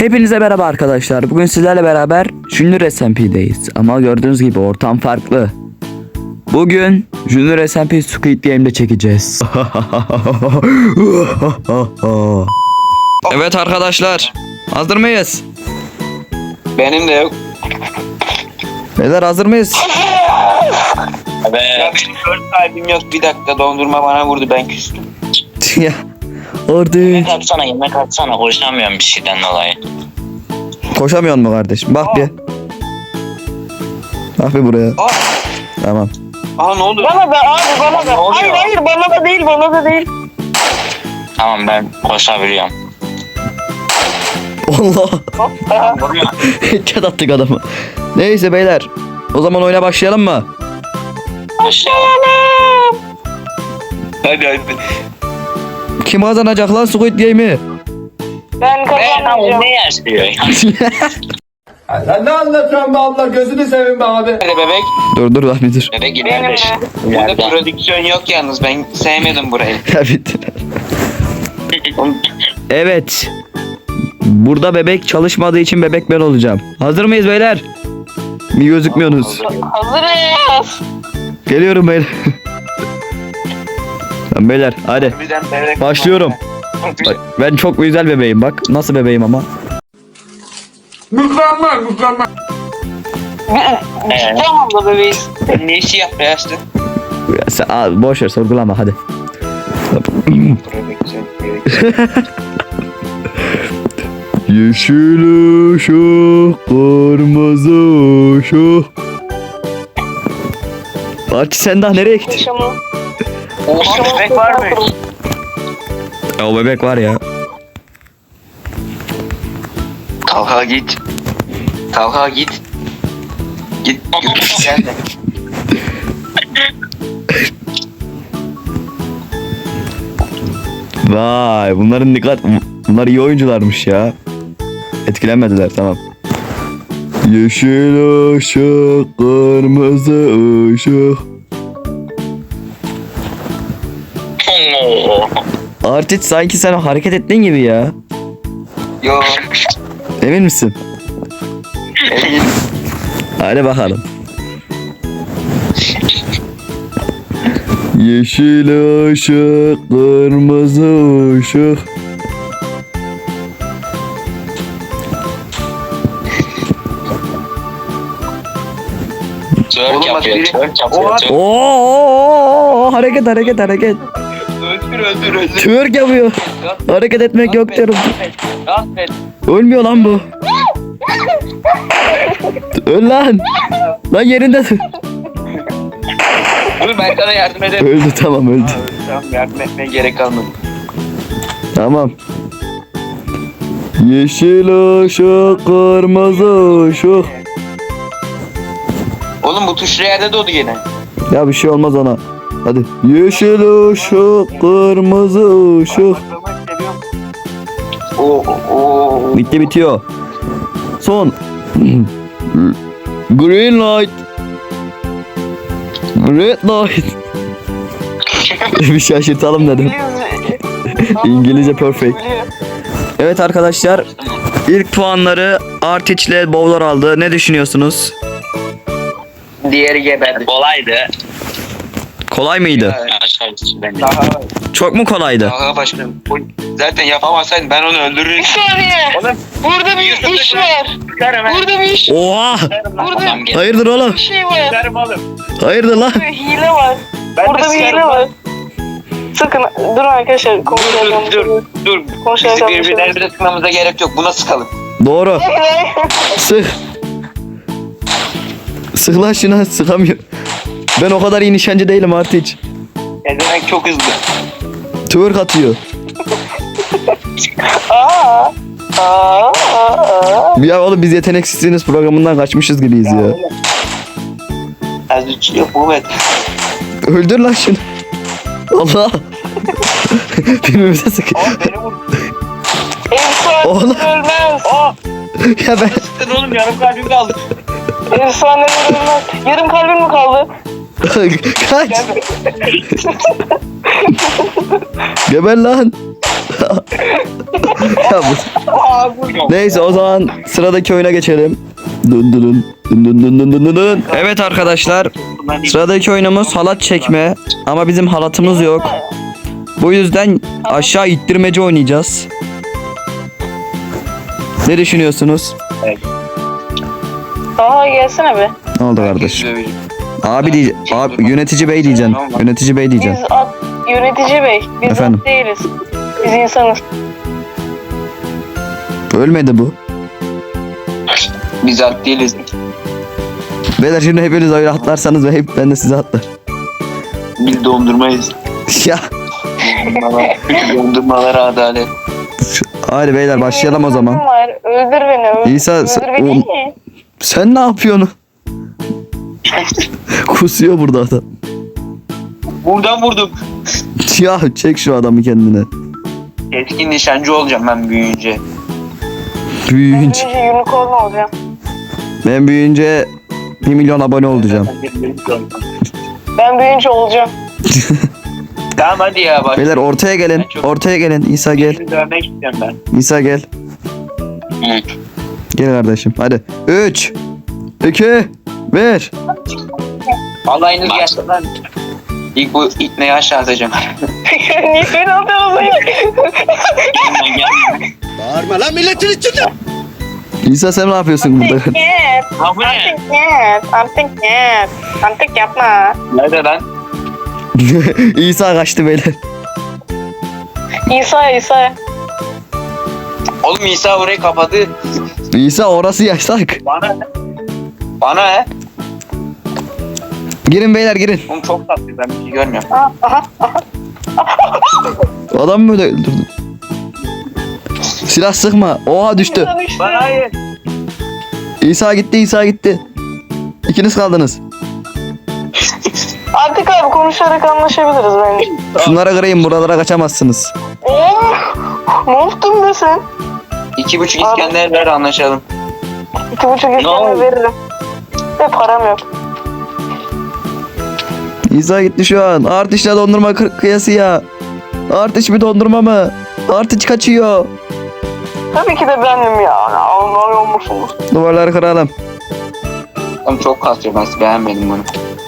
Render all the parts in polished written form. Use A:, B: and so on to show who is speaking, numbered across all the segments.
A: Hepinize merhaba arkadaşlar. Bugün sizlerle beraber Junior SMP'deyiz. Ama gördüğünüz gibi ortam farklı. Bugün Junior SMP Squid Game'de çekeceğiz. Evet arkadaşlar. Hazır mıyız?
B: Benim de yok.
A: Beyler hazır mıyız?
B: Ya benim 4 kalbim yok. Bir dakika dondurma bana vurdu, ben küstüm.
A: Ya orada
C: Yemek atsana hoşlanmıyorum bir şeyden dolayı.
A: koşamıyor mu kardeşim? Bak bir. Bak bir buraya.
B: Aa,
A: Tamam.
B: ne oldu?
D: Bana da abi bana da.
B: Ne oluyor?
D: Hayır bana da değil.
C: Tamam ben koşabiliyorum.
A: Allah.
D: Hoppa.
C: Vurma.
A: Çat attık adamı. Neyse beyler. O zaman oyuna başlayalım mı?
D: Başlayalım.
B: Hadi.
A: Kim kazanacak lan Squid Game'i?
D: Ben kazanacağım.
C: Ne yaşıyor?
E: Sen ne anlatıyorsun be abla, gözünü seveyim be abi.
B: Hadi bebek.
A: Dur lan bir dur.
C: Bebek
D: Benim
C: gidiyor.
D: de.
B: Burada prodüksiyon yok yalnız. Ben sevmedim burayı.
A: Ya bitti. Evet. Burada bebek çalışmadığı için bebek ben olacağım. Hazır mıyız beyler? Bir gözükmüyorsunuz.
D: Hazırız.
A: Geliyorum beyler. Tamam beyler hadi.
B: Birden bebek.
A: Başlıyorum. Bak, ben çok güzel bebeğim bak. Nasıl bebeğim ama.
E: Mükemmel.
D: Tamam da bebeğiz.
B: Sen ne işi yap beyazlı?
A: Ya sen, boş ver sorgulama hadi.
B: Prodüksiyon.
A: Yeşil ışık, kırmızı ışık. Arçı sen daha nereye gittin?
D: Yaşamı.
B: Oha, bebek var mı?
A: Ya o bebek var ya.
B: Talha git. Talha git. Git. Gel de.
A: Vay bunlar iyi oyuncularmış ya. Etkilenmediler tamam. Yeşil ışık, kırmızı ışık. Artit sanki sen hareket ettiğin gibi ya.
B: Yo.
A: Emin misin?
B: Emin.
A: Hadi bakalım. Yeşil ışık, kırmızı ışık.
C: Twerk
B: Oğlum bak
C: yapıyor.
B: biri-
C: Twerk yapıyor.
B: Oha.
C: twerk.
A: Oo, hareket.
B: Öldür.
A: Twerk yapıyor. Hareket etmek yok diyorum.
B: Affet.
A: Ölmüyor lan bu. Öl lan. Lan yerinde dur.
B: Dur ben sana yardım ederim.
A: Öldü tamam öldü.
B: Tamam, yardım etmeye gerek kalmadı.
A: Tamam. Yeşil ışık, kırmızı ışık.
B: Oğlum bu tuş yerde doğdu gene.
A: Ya bir şey olmaz ona. Hadi. Yeşil ışık, kırmızı ışık.
B: Oo.
A: Bitti bitiyor. Son. Green light. Red light. Bir şaşırtalım dedim. İngilizce perfect. Evet arkadaşlar. İlk puanları Artiç ile Bowler aldı. Ne düşünüyorsunuz?
B: Diğeri geberdi.
C: Kolaydı.
A: Kolay mıydı?
C: Aşağısı bence.
B: Daha
A: Çok mu kolaydı?
B: başkanım. Zaten yapamasaydın ben onu öldürürdüm.
D: Bir saniye.
B: Oğlum.
D: Burada bir iş var. Burada bir iş.
A: Oha!
D: Burada
C: Adam geldi.
A: Hayırdır oğlum?
D: bir şey var.
B: Sıkarım oğlum.
A: Hayırdır lan?
D: Bir hile var.
B: Ben de
D: Burada bir
B: sıkarım
D: hile
B: lan.
D: var. Sakın durun arkadaşlar. Konuşacağım.
B: Dur.
D: Konuşacağım.
B: Bizi birbirlerimize sıkmamıza gerek yok. Buna sıkalım.
A: Doğru. Sık. Sık lan şuna sıkamıyor. Ben o kadar iyi nişancı değilim Artiç.
B: Ezemek çok hızlı.
A: Twerk atıyor.
D: Aa.
A: Ya oğlum biz yeteneksizliğiniz programından kaçmışız gibiyiz ya.
B: Az üç yok Mehmet.
A: Öldür lan şunu. Allah. Birbirimize sık.
B: Beni vur.
A: Oğlum.
D: Efsaneler ölmez.
A: Ya ben.
B: Sıktın oğlum, yarım kalbim kaldı.
D: Efsaneler ölmez. Yarım kalbim mi kaldı?
A: Kaç. Geber lan. Ya neyse o zaman sıradaki oyuna geçelim. Dun dun dun dun dun dun dun dun dun. Evet arkadaşlar, sıradaki oyunumuz halat çekme ama bizim halatımız yok. Bu yüzden aşağı ittirmece oynayacağız. Ne düşünüyorsunuz?
D: Aa gelsene be.
A: Ne oldu kardeş? Abi diye, abi yönetici bey diyeceksin. Yönetici bey
D: Biz
A: diyeceksin.
D: yönetici bey. Biz
A: Efendim?
D: at değiliz. Biz insanız.
A: Ölmedi bu.
B: Biz at değiliz.
A: Beyler şimdi hepiniz öyle atlarsanız ve hep ben de size atlar.
B: Biz dondurmayız.
A: Ya
B: Dondurmalara adalet.
A: hadi beyler başlayalım o zaman.
D: Var. Öldür beni. Öldür,
A: İsa,
D: öldür beni.
A: Sen ne yapıyorsun? Kusuyor burada adam.
B: Buradan vurdum.
A: Ya çek şu adamı kendine.
B: Etkin nişancı olacağım ben büyüyünce.
A: Büyüyünce.
D: Büyüyünce unicorn olacağım.
A: Ben büyüyünce 1 milyon abone olacağım.
D: Ben büyüyünce olacağım.
B: Tamam hadi ya bak.
A: Beyler ortaya gelin. Ortaya gelin. İsa gel.
B: Seni dövmek istiyorum ben.
A: İsa gel. Gel kardeşim. Hadi. 3 2 1.
B: Alayınız gelsin lan. İlk bu itneyi aşağı atacağım.
D: Niye beni atıyorsun?
E: Bağırma lan milletin içinde.
A: İsa sen ne yapıyorsun burada?
D: Yes.
C: Ha bu ne?
D: Artık yes. Artık yapma.
B: Nerede lan?
A: İsa kaçtı beyler.
D: İsa.
B: Oğlum İsa orayı kapadı.
A: İsa orası yasak.
B: Bana ne? Bana ne?
A: Girin beyler girin.
B: Oğlum çok tatlı ben bir şey görmüyorum.
A: Adam mı öldürdü? Silah sıkma. Oha düştü.
B: Lan hayır.
A: İsa gitti. İkiniz kaldınız.
D: Artık abi konuşarak anlaşabiliriz bence.
A: Şunlara kırayım, buralara kaçamazsınız.
D: Ne yaptın be sen?
B: 2,5 İskender ver anlaşalım.
D: 2,5 İskender veririm. Ve param yok.
A: İsa gitti şu an. Artışla dondurma kıyası ya. Artış bir dondurma mı? Artış kaçıyor.
D: Tabii ki de benim ya. Anlamıyor musunuz?
A: Duvarları kıralım.
B: Oğlum çok kasıyor ben beğenmedim bunu.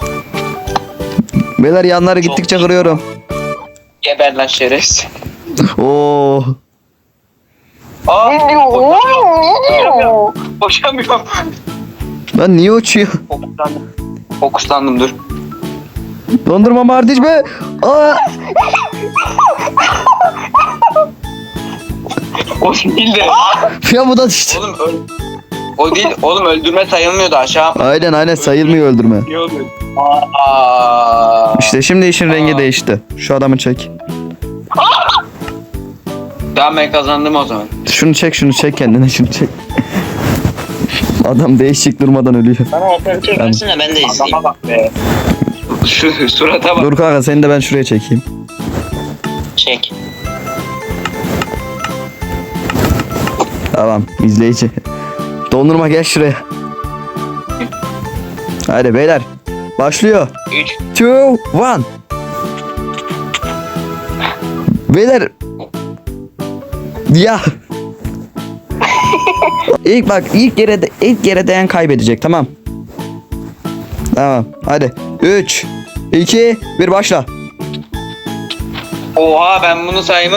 A: Beyler yanları gittikçe kırıyorum.
B: Geber lan şerefsiz.
A: Oo.
B: Aa
D: Ne diyor? Ne diyor?
B: boşamıyorum.
A: Lan niye uçuyor?
B: Fokuslandım dur.
A: Dondurma mı artış be? Aa.
B: O değil de.
A: Ya bu da düştü.
B: Oğlum o değil. Oğlum öldürme sayılmıyordu aşağı.
A: Aynen sayılmıyor öldürme.
B: Ne oluyor? Aa.
A: İşte şimdi işin rengi değişti. Şu adamı çek.
B: Tamam ben kazandım o zaman.
A: Şunu çek kendine şunu çek. Adam değişik durmadan ölüyor.
C: Bana operatör versin de ben de izleyeyim.
B: Adama bak be. Şu surata bak.
A: Dur kanka seni de ben şuraya çekeyim.
C: Çek.
A: Tamam izleyici. Dondurma gel şuraya. Hadi beyler. Başlıyor.
B: 3.
A: 2 1. Beyler. Ya. ilk yere değen kaybedecek, tamam. Tamam. Hadi. 3 2 1 başla.
B: Oha ben bunu saymam.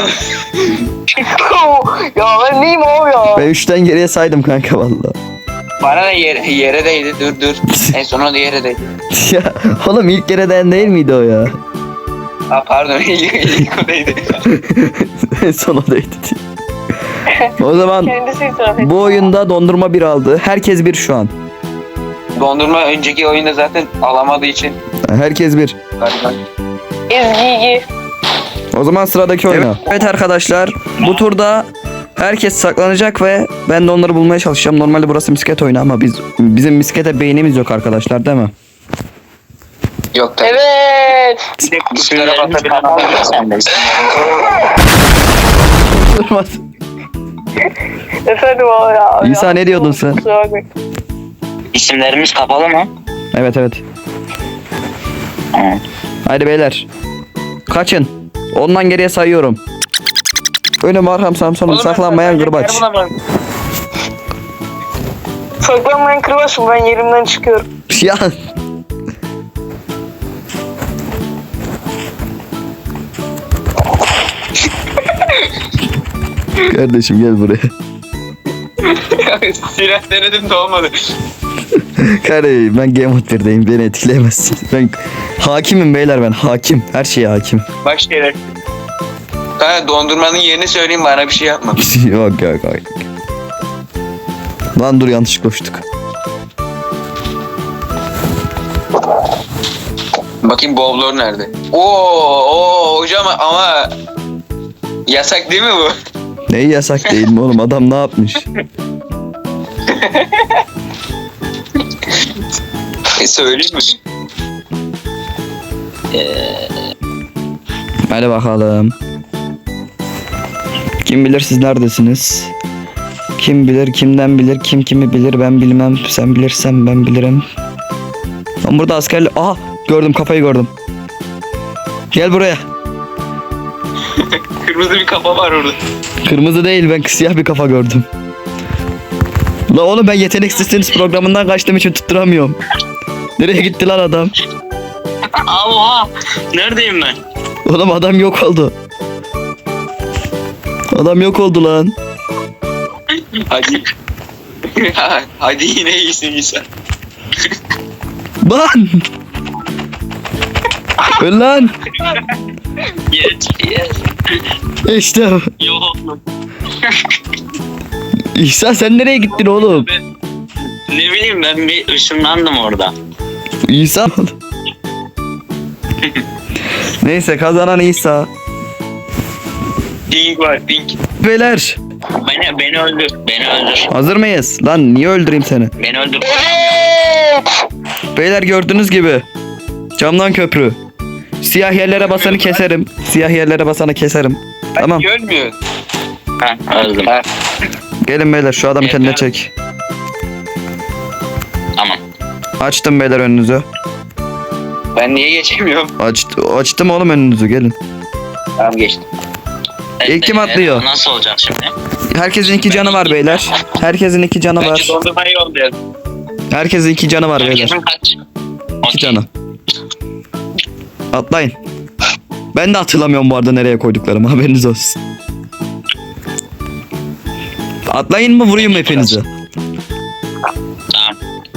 D: Ya ben neyim abi ya?
A: Ben 3'ten geriye saydım kanka vallahi.
B: Bana da yere değdi dur. En son o da yere değdi.
A: Ya oğlum ilk yere değen değil miydi o ya?
B: Ha pardon ilk o değdi.
A: En son o değdi. O zaman
D: Kendisi itiraf etti.
A: bu oyunda dondurma 1 aldı. Herkes 1 şu an.
B: Dondurma önceki oyunda zaten alamadığı için.
A: Herkes 1.
B: Galiba.
D: Ezgi.
A: O zaman sıradaki oyuna. Evet arkadaşlar, bu turda herkes saklanacak ve ben de onları bulmaya çalışacağım. Normalde burası misket oyunu ama bizim miskete beynimiz yok arkadaşlar, değil mi?
B: Yok tabii.
D: Evet.
B: Bir de kuşlara batabilir.
C: Sen de.
A: Durmaz.
D: Efendim abi ya.
A: İsa, ne diyordun sen?
D: Kusura bakmayın.
C: İsimlerimiz kapalı mı?
A: Evet. Haydi beyler. Kaçın. Ondan geriye sayıyorum. Önüm arkam Samsun'um saklanmayan kırbaç.
D: Saklanmayan kırbaçım, ben yerimden çıkıyorum.
A: Ya. Kardeşim gel buraya.
B: Silah denedim de olmadı.
A: Kardeşim ben Game Mode 1'deyim, beni etkileyemezsin. Ben hakimim beyler, ben hakim. Her şeye hakim.
B: Baş kere. Kanka dondurmanın yerini söyleyeyim, bana bir şey yapma.
A: Yok yok yok. Lan dur, yanlış koştuk.
B: Bakayım bowler nerede? Oo hocam ama yasak değil mi bu?
A: Neyi yasak değil mi oğlum, adam ne yapmış?
B: Söyleyeyim mi?
A: Hadi bakalım. Kim bilir siz neredesiniz? Kim bilir kimden bilir, kim kimi bilir, ben bilmem, sen bilirsen ben bilirim. Ben burada askerli... Aha gördüm, kafayı gördüm. Gel buraya.
B: Kırmızı bir kafa var orada.
A: Kırmızı değil, ben siyah bir kafa gördüm. La oğlum ben yeteneksizsiniz programından kaçtığım için tutturamıyorum. Nereye gitti lan adam?
C: Oha. Neredeyim ben?
A: Oğlum adam yok oldu. Adam yok oldu lan.
B: Hadi. Hadi yine iyisin İsa.
A: Lan! Öl lan!
C: Yes.
A: İşte
C: Yok.
A: İhsan sen nereye gittin oğlum?
C: Ne bileyim, ben bir ışınlandım orada.
A: İsa. Neyse kazanan İsa.
B: Pink var pink.
A: Beyler
C: Beni öldür. Beni öldür.
A: hazır mıyız? Lan niye öldüreyim seni?
C: Beni öldür.
A: Beyler gördüğünüz gibi camdan köprü. Siyah yerlere basanı keserim. Siyah yerlere basanı keserim. Tamam.
B: Görmüyor.
C: Ha, öldüm.
A: Gelin beyler şu adamı kendine çek.
C: Tamam.
A: Açtım beyler önünüzü.
B: Ben niye geçemiyorum?
A: Açtım oğlum önünüzü, gelin.
B: Tamam geçtim.
A: İlk kim atlıyor?
C: Nasıl olacak şimdi?
A: Herkesin 2 canı var beyler. Herkesin 2 canı var.
B: Bence dondurmayı yollayalım.
A: Herkesin 2 canı var beyler.
C: Herkesin kaç?
A: 2 canı. Atlayın. Ben de hatırlamıyorum bu arada nereye koyduklarımı, haberiniz olsun. Atlayın mı, vurayım mı hepinizi?
C: Tamam.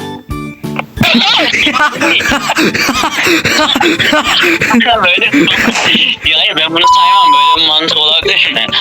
C: Böyle ya hayır, ben bunu saymam, böyle bir mantık olabilir mi?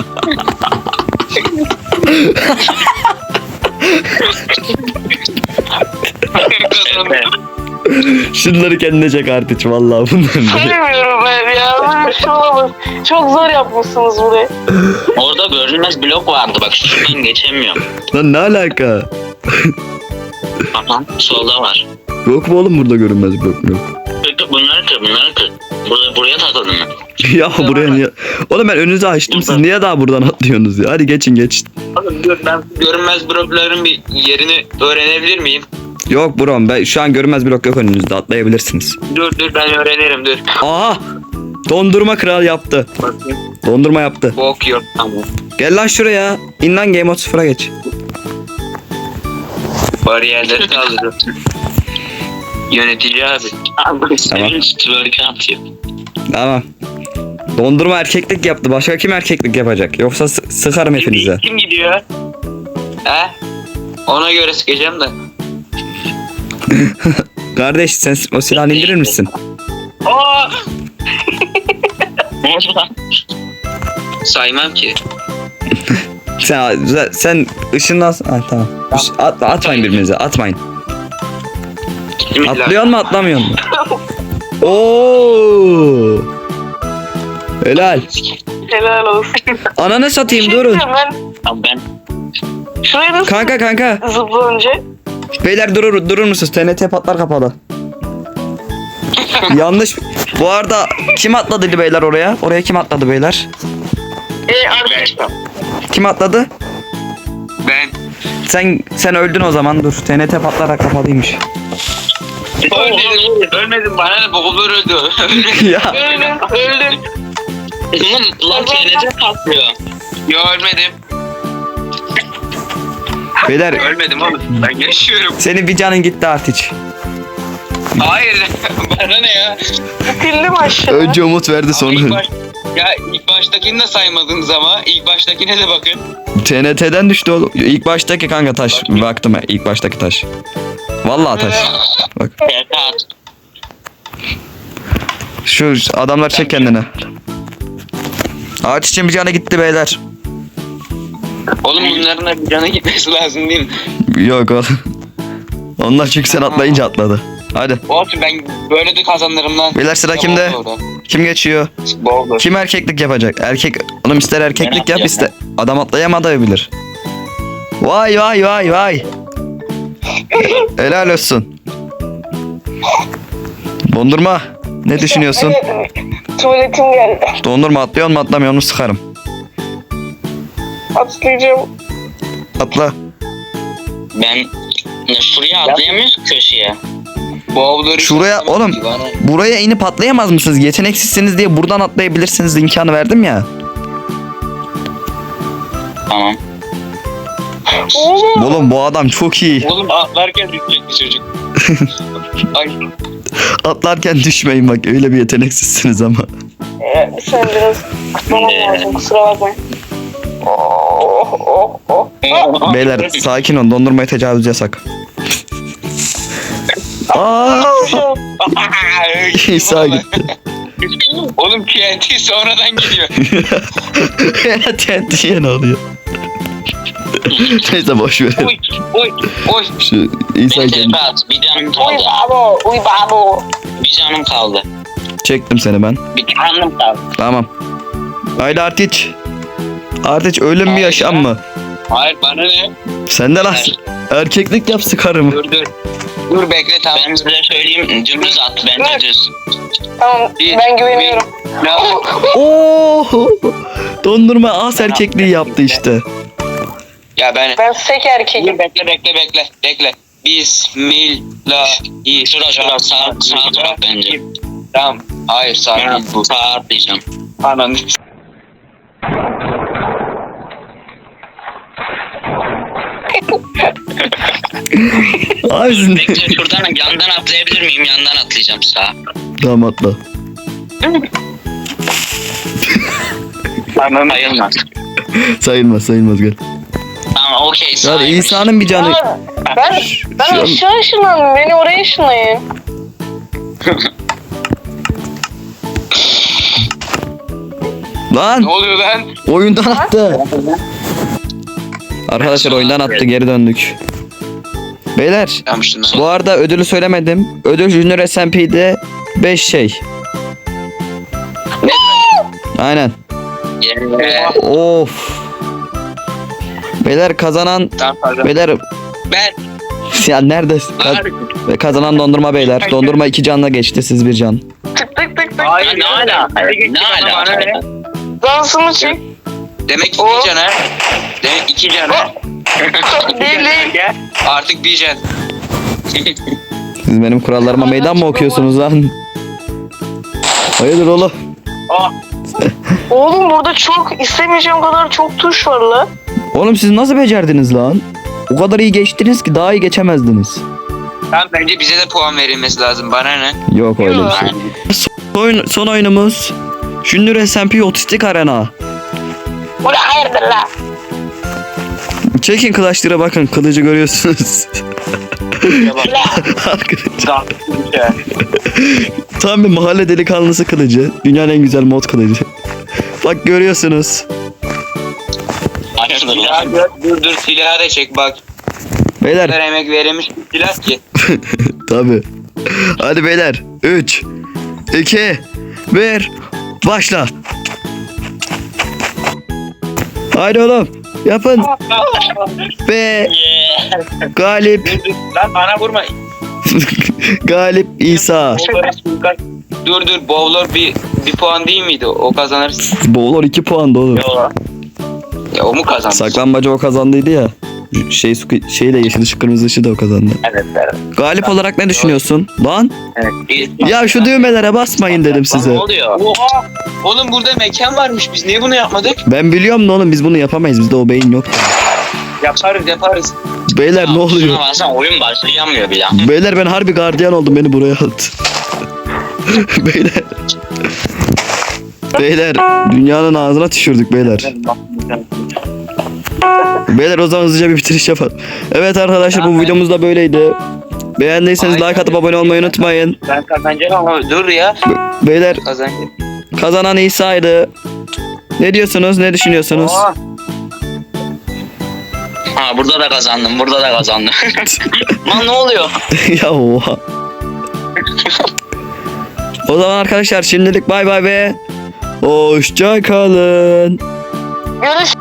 C: Evet.
A: Şunları kendine çek artık vallahi bunların.
D: Bilmiyorum ben ya. Böyle bir şey olamaz. Çok zor yapmışsınız burayı.
C: Orada görünmez blok vardı, bak şuradan geçemiyorum.
A: Lan ne alaka?
C: Tamam, solda var.
A: Yok mu oğlum burada görünmez blok yok.
C: Bunları kır. Buraya takıldım ben.
A: Ya buraya niye? Oğlum ben önünüzü açtım, siz niye daha buradan atlıyorsunuz ya? Hadi geçin.
B: Oğlum dur, ben görünmez blokların bir yerini öğrenebilir miyim?
A: Yok brom, ben şu an görünmez blok yok önünüzde, atlayabilirsiniz.
B: Dur ben öğrenirim dur.
A: Aha! Dondurma kral yaptı.
B: Bakayım.
A: Dondurma yaptı.
B: Bok yok tamam.
A: Gel lan şuraya. İn lan Game Mode 0'a geç.
B: Bariyerleri kaldırdım. Yönetici abi.
C: Abi senin twerk atıyor.
A: Tamam. Dondurma erkeklik yaptı. Başka kim erkeklik yapacak? Yoksa sıkarım hepinize.
B: Kim gidiyor? He? Ona göre sıkacağım da.
A: Kardeş sen o silahını indirir misin?
B: Oo!
C: Ne oldu lan?
B: Saymam ki.
A: Sen ışınlan. Ha, tamam. Atmayın birbirinize. Atmayın. Atlıyor mu atlamıyor mu? Oo! Helal.
D: Helal olsun.
A: Ananı satayım,
D: Şey
A: durun.
D: diyeceğim,
C: Abi ben
D: Şuraya nasıl
A: Kanka.
D: zıplanınca?
A: Beyler durur musunuz? TNT patlar kapalı. Yanlış. Bu arada kim atladı beyler oraya? Oraya kim atladı beyler? Kim atladı?
B: Ben.
A: Sen öldün o zaman, dur. TNT patlarak kapalıymış.
B: Ölmedim bana ne, boğulur öldü.
A: Ya
D: Öldüm.
C: oğlum lan TNT patlıyor.
B: Yo ölmedim.
A: Beyler
B: Ölmedim oğlum. Ben yaşıyorum.
A: senin bir canın gitti Artiç.
B: Hayır. Bana ne ya?
D: Bitirdim aşağı.
A: Önce umut verdi
B: İlk
A: sonra.
B: ya ilk baştakini de saymadınız ama ilk baştakine de bakın.
A: TNT'den düştü oğlum. İlk baştaki kanka taş. Baktım ya, ilk baştaki taş. Vallahi taş. Bak.
C: Ferhat.
A: Şu adamlar çek kendine. Ağaç için bir canı gitti beyler.
B: Oğlum bunların da bir canı gitmesi lazım değil mi?
A: Yok oğlum. Onlar çünkü sen atlayınca atladı. Hadi.
B: Olsun ben böyle de kazanırım lan.
A: Beyler sıra kimde? Kim geçiyor?
B: Bowler.
A: Kim erkeklik yapacak? Erkek. Oğlum ister erkeklik yap ister. Adam atlayamadabilir. Vay vay vay vay. Helal olsun. Dondurma. Ne düşünüyorsun?
D: Tuvaletim geldi.
A: Dondurma atlıyor mu atlamıyor mu sıkarım.
D: Atlayacağım.
A: Atla.
C: Ben şuraya atlayamıyoruz ki köşeye.
B: Bowler
A: Şuraya oğlum. Buraya inip atlayamaz mısınız? Yeteneksizsiniz diye buradan atlayabilirsiniz imkanı verdim ya.
C: Tamam.
D: Oğlum.
A: Oğlum bu adam çok iyi.
B: Oğlum atlarken düşecekti çocuk. Ay.
A: Atlarken düşmeyin bak öyle bir yeteneksizsiniz ama.
D: Sen biraz kutlamam lazım. Kusura bakmayın. Oh oh oh.
A: Beyler sakin ol dondurmaya tecavüz yasak. Aa, İsa gitti.
B: Oğlum TNT sonradan geliyor.
A: TNT'ye ne oluyor? Neyse boş ver.
B: Oy oy oy.
A: Şu İsa
C: Neyse
A: geldi.
C: Ferhat bir canım
D: Uy
C: kaldı.
D: babo. Uy babo.
C: Bir canım kaldı.
A: Çektim seni ben.
C: Bir canım kaldı.
A: Tamam. Haydi Artiç. Artiç ölüm mü yaşam mı?
B: Hayır bana ne?
A: Sen de lan erkeklik yap sıkarım.
B: Dur dur. Dur bekle tamam.
C: Ben size söyleyeyim dümdüz at bence düz.
D: Tamam ben güveniyorum.
B: Ne?
A: Oo! Dondurma as erkekliği yaptı işte.
B: Ya ben.
D: Ben sek erkeğim.
B: Dur bekle. Bismillah.
C: Şura sağ taraf bence.
B: Tamam. Hayır sağ değil bu.
C: Sağ atlayacağım.
B: Ananı.
A: Abi siz ne-
C: Bekle şuradan yandan atlayabilir miyim? Yandan atlayacağım sağa.
A: Tamam atla.
C: Tamam. Sayılmaz.
A: Sayılmaz gel.
C: Tamam okey
A: Ya
C: sayılmış.
A: İsa'nın bir canı.
D: Aa, ben
A: Şu an-
D: aşağı ışınlandım. Beni oraya ışınlayın.
A: Lan
B: Ne oluyor lan?
A: oyundan attı. Arkadaşlar oyundan attı geri döndük. Beyler
B: Yapmıştın lan.
A: bu arada ödülü söylemedim. Ödül Junior SMP'de 5 şey. Aynen.
C: Yeah.
A: Of. Beyler kazanan
B: Tamam pardon.
A: beyler
B: Ben.
A: ya nerede kazanan dondurma beyler. Dondurma 2 canla geçti siz bir can.
D: Tık tık tık tık.
B: Hayır
C: Ne alaka? Ne alaka?
D: Dansımı çek.
B: Demek iki
D: O-
B: can ha. Demek iki can ha.
D: Değil değil.
B: Artık bir can.
A: Siz benim kurallarıma meydan mı okuyorsunuz lan? Hayırdır oğlum?
D: Oğlum burada çok istemeyeceğim kadar çok tuş var la.
A: Oğlum siz nasıl becerdiniz lan? O kadar iyi geçtiniz ki daha iyi geçemezdiniz.
B: Tamam bence bize de puan verilmesi lazım. Bana ne?
A: Yok öyle bir şey. Son oyunumuz Junior SMP Otistik Arena.
D: Bu ne hayırdır la?
A: Çekin kılıçlara bakın kılıcı görüyorsunuz. Arkadaşlar, tam bir mahalle delikanlısı kılıcı. Dünyanın en güzel mod kılıcı. Bak görüyorsunuz.
C: Hayırdır lan?
B: Dur silahı da çek bak. Ne
A: Beyler
B: kadar emek verilmiş bir silah ki.
A: tabi. Hadi beyler 3 2 1 başla. Haydi oğlum yapın. Ve
C: Yeah.
A: galip
B: Lan bana vurma.
A: galip İsa.
B: Dur bowler bir puan değil miydi? O kazanır.
A: Bowler 2 puan da oğlum.
B: Ya o mu kazandı?
A: Saklanmaca o kazandıydı ya. Şeyle yeşil ışık kırmızı ışığı da o kazandı.
C: Evet, evet.
A: Galip olarak ne düşünüyorsun? Lan
C: evet.
A: ya şu düğmelere basmayın dedim
C: Lan
A: size.
C: ne oluyor?
B: Oha. Oğlum burada mekan varmış. Biz niye bunu yapmadık?
A: Ben biliyorum da oğlum biz bunu yapamayız. Bizde o beyin yok.
B: Yaparız.
A: Beyler ne oluyor?
C: Şuna baksana oyun başlayamıyor bile.
A: Beyler ben harbi gardiyan oldum, beni buraya at. Beyler. Beyler dünyanın ağzına tükürdük beyler. Beyler o zaman hızlıca bir bitiriş yapalım. Evet arkadaşlar bu videomuz da böyleydi. Beğendiyseniz like atıp abone olmayı unutmayın.
B: Ben kazanacağım ama dur ya.
A: Beyler
B: Kazanacağım.
A: kazanan İsa'ydı. Ne diyorsunuz? Ne düşünüyorsunuz?
B: Oha.
C: Ha burada da kazandım, burada da kazandım. Lan ne oluyor?
A: Ya oha. O zaman arkadaşlar şimdilik bay bay ve hoşça kalın.
D: Görüş.